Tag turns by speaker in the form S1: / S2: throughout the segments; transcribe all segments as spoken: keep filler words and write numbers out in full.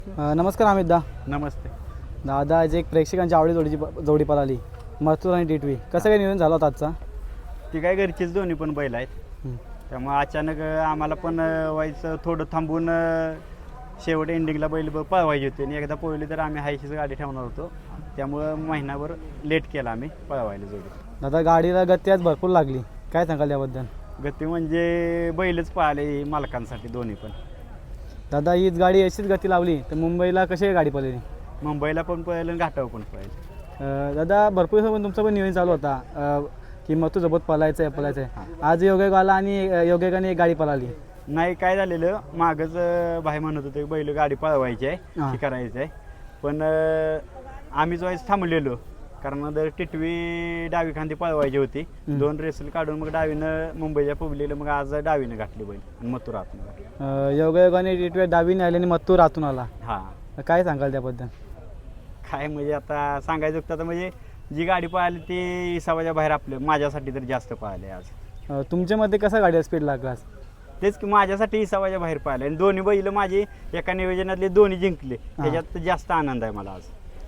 S1: अ, नमस्कार अमित दा.
S2: नमस्ते.
S1: दादा आज एक प्रेक्षकांची आवडी जोडीची जोडी पळाली मथुर आणि टिटवी. कसं काय नियोजन झालं होतं आजचा?
S2: ती काय घरचीच दोन्ही पण बैल आहेत.
S1: हं.
S2: त्यामुळे अचानक अ, आम्हाला पण अ, व्हायचं थोडं थांबून अ, शेवट एंडिंगला बैल ब- पळवायची होती आणि एकदा पळवली तर आम्ही हायशीच गाडी ठेवणार होतो. त्यामुळं महिनाभर लेट केला आम्ही पळवायला जोडी.
S1: दादा गाडीला गती आज भरपूर लागली, काय सांगाल याबद्दल?
S2: गती म्हणजे बैलच पळाले मालकांसाठी दोन्ही पण.
S1: दादा हीच गाडी अशीच गती लावली तर मुंबईला कशी काय गाडी पळली?
S2: मुंबईला पण पळालं आणि घाटावर पण पळालं.
S1: अ, दादा भरपूर दिवसापासून तुमचं पण नियोजन चालू होता अ, की मथुर सोबत पळायचं आहे पळायचं आहे. आज योगायोग आला आणि अ, योगायोगाने एक गाडी पळाली.
S2: नाही काय झालेलं मागच भाई म्हणत होते बैल गाडी पळवायची आहे
S1: हां.
S2: ती करायची आहे पण अ, आम्हीच व्हायचं थांबलेलो कारण जर टिटवी डावी खांदी पळवायची होती.
S1: हं.
S2: दोन रेसल काढून मग डावीनं मुंबईच्या पुबलेलं मग आज डावीनं घातली बैल आणि मथुर आतनं घातली.
S1: अ, योगायोगाने टिटवी डावीने आली आणि मथुर आतून आला.
S2: हां
S1: काय सांगाल त्याबद्दल?
S2: काय म्हणजे आता सांगायचं होतं आता म्हणजे जी गाडी पळाली ती हिसाबाच्या बाहेर आपल्या माझ्यासाठी तर जास्त पळाली आज.
S1: अ, तुमच्यामध्ये कसा गाडीला स्पीड लागला आज?
S2: तेच की माझ्यासाठी हिसाबाच्या बाहेर पळाले आणि दोन्ही बैल माझी एका नियोजनातले दोन्ही जिंकले त्याच्यात जास्त आनंद आहे मला आज.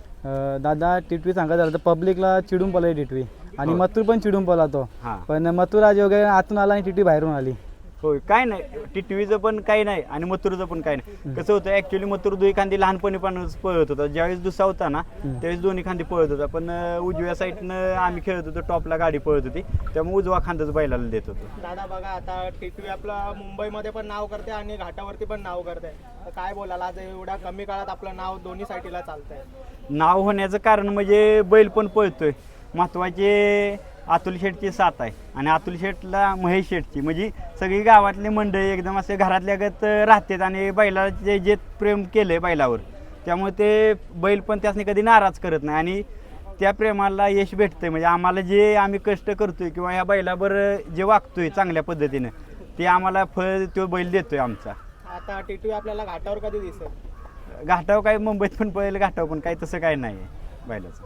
S1: अ, दादा टिटवी सांगायचं झालं तर पब्लिकला चिडून पळाली टिटवी आणि
S2: हो.
S1: मथुर पण चिडून पळतो.
S2: हां
S1: पण मथुर आज योगायोगाने आतून आला आणि टिटवी बाहेरून आली.
S2: होय काय नाही टिटवीचं पण काही नाही आणि मथुरचं पण काही नाही. कसं होतं ॲक्च्युली मथुर दुई खांदी लहानपणी पण पळत होता. ज्यावेळेस दुसरा होता ना
S1: हम्म.
S2: त्यावेळेस दोन्ही खांदी पळत होता पण अं, उजव्या साईडनं आम्ही खेळत होतो टॉपला गाडी पळत होती त्यामुळे उजवा खांदाच बैलाला देत होतो.
S3: दादा बघा आता टिटवी आपलं मुंबईमध्ये पण नाव करते आणि घाटावरती पण नाव करते, तर काय बोलाल आज एवढ्या कमी काळात आपलं नाव दोन्ही साईडला चालतंय?
S2: नाव होण्याचं कारण म्हणजे बैल पण पळतोय. महत्त्वाचे अतुल शेठची साथ आहे आणि अतुल शेठला महेश शेठची म्हणजे सगळी गावातली मंडळी एकदम असे घरातल्यागत राहतात आणि बैलाचे जे प्रेम केलं आहे बैलावर त्यामुळे ते बैल पण त्यासनी कधी नाराज करत नाही आणि त्या प्रेमाला यश भेटतंय. म्हणजे आम्हाला जे आम्ही कष्ट करतोय किंवा ह्या बैलावर जे वागतोय चांगल्या पद्धतीनं ते आम्हाला फळ तो बैल देतोय आमचा.
S3: आता टिटवी आपल्याला घाटावर कधी दिसेल?
S2: घाटावर काय मुंबईत पण पळेल घाटावर पण काही तसं काही नाही आहे बैलाचं.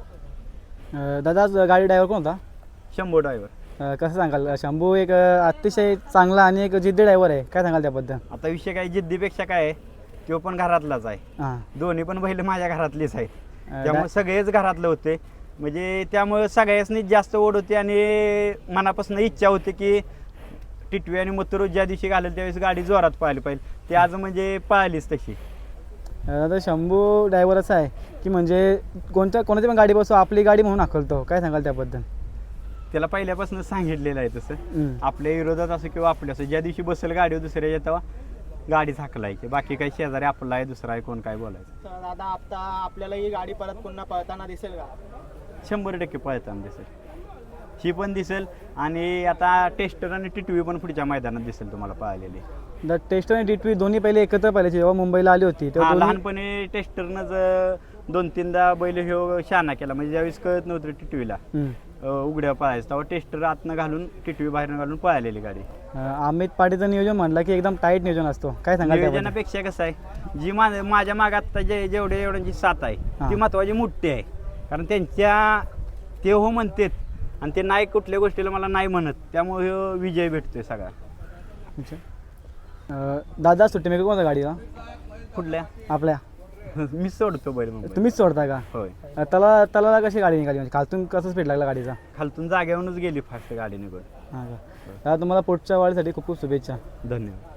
S1: अ, दादा आज गाडी ड्रायव्हर कोण होता?
S2: शंभो ड्रायव्हर.
S1: अ, कसं सांगाल? शंभू एक अ, अतिशय चांगला आणि एक जिद्दी ड्रायव्हर आहे, काय सांगाल त्याबद्दल?
S2: आता विषय काय जिद्दीपेक्षा काय आहे तो पण घरातलाच आहे.
S1: हां.
S2: दोन्ही पण बैल माझ्या घरातलीच आहेत
S1: अ,
S2: त्यामुळे
S1: डा-
S2: सगळेच घरातले होते म्हणजे त्यामुळे सगळ्यासनीच जास्त ओढ होती आणि मनापासून इच्छा होती की टिटवी आणि मथुर ज्या दिवशी घालेल त्यावेळेस गाडी जोरात पळाली पाहिजे. ते आज म्हणजे पळालीच तशी.
S1: अ, दादा शंभू ड्रायव्हर असा आहे की म्हणजे कोणत्या कोणाची पण गाडी बसो आपली गाडी म्हणून हाकलतो, काय सांगाल त्याबद्दल?
S2: त्याला पहिल्यापासून सांगितलेलं आहे तसं
S1: हं.
S2: आपल्या विरोधात असं किंवा आपल्या असं ज्या दिवशी बसेल गाडीवर दुसऱ्या तेव्हा गाडीच हाकलायची. बाकी काही शेजारी आपला आहे दुसरा आहे कोण काय बोलायचं.
S3: तर दादा आता आपल्याला ही गाडी परत पुन्हा पळताना दिसेल का?
S2: शंभर टक्के पळताना दिसेल. ही पण दिसेल आणि आता टेस्टर आणि टिटवी पण पुढच्या मैदानात दिसेल तुम्हाला पळालेली.
S1: द टेस्ट आणि टिटवी दोन्ही पहिले एकत्र पाहिजे जेव्हा मुंबईला आली होती
S2: हा,
S1: तेव्हा दोन्ही-
S2: लहानपणी टेस्टरनंच दोन तीनदा बैल ह्यो शाना केला म्हणजे ज्यावेळेस कळत नव्हतं टिटवीला
S1: हं.
S2: अ, उघड्या पळायचं तेव्हा टेस्टर आतनं घालून टिटवी बाहेरनं घालून पळालेली गाडी.
S1: अ, अमित पाटीलचं नियोजन म्हणलं की एकदम टाईट नियोजन असतो, काय सांगाल त्याबद्दल?
S2: नियोजनापेक्षा कसं आहे जी मा माझ्या मागे आत्ता जे जेवढे एवढ्यांची साथ आहे
S1: हा.
S2: ती महत्वाची मोठी आहे कारण त्यांच्या ते हो म्हणतात आणि ते नाही कुठल्या गोष्टीला मला नाही म्हणत त्यामुळे ह्यो विजय भेटतोय सगळा.
S1: अच्छा. अ, दादा सुट्टी मेकर कोणता गाडीला
S2: कुठल्या
S1: आपल्या?
S2: मी सोडतो बैल मग
S1: तुम्हीच सोडता का?
S2: होय.
S1: अ, त्याला त्याला कशी गाडी निघाली म्हणजे खालतून कसं स्पीड लागला गाडीचा?
S2: खालतून जागेवरूनच गेली फास्ट गाडी निघून.
S1: हां का? दादा तुम्हाला पुढच्या वाढीसाठी खूप खूप शुभेच्छा.
S2: धन्यवाद.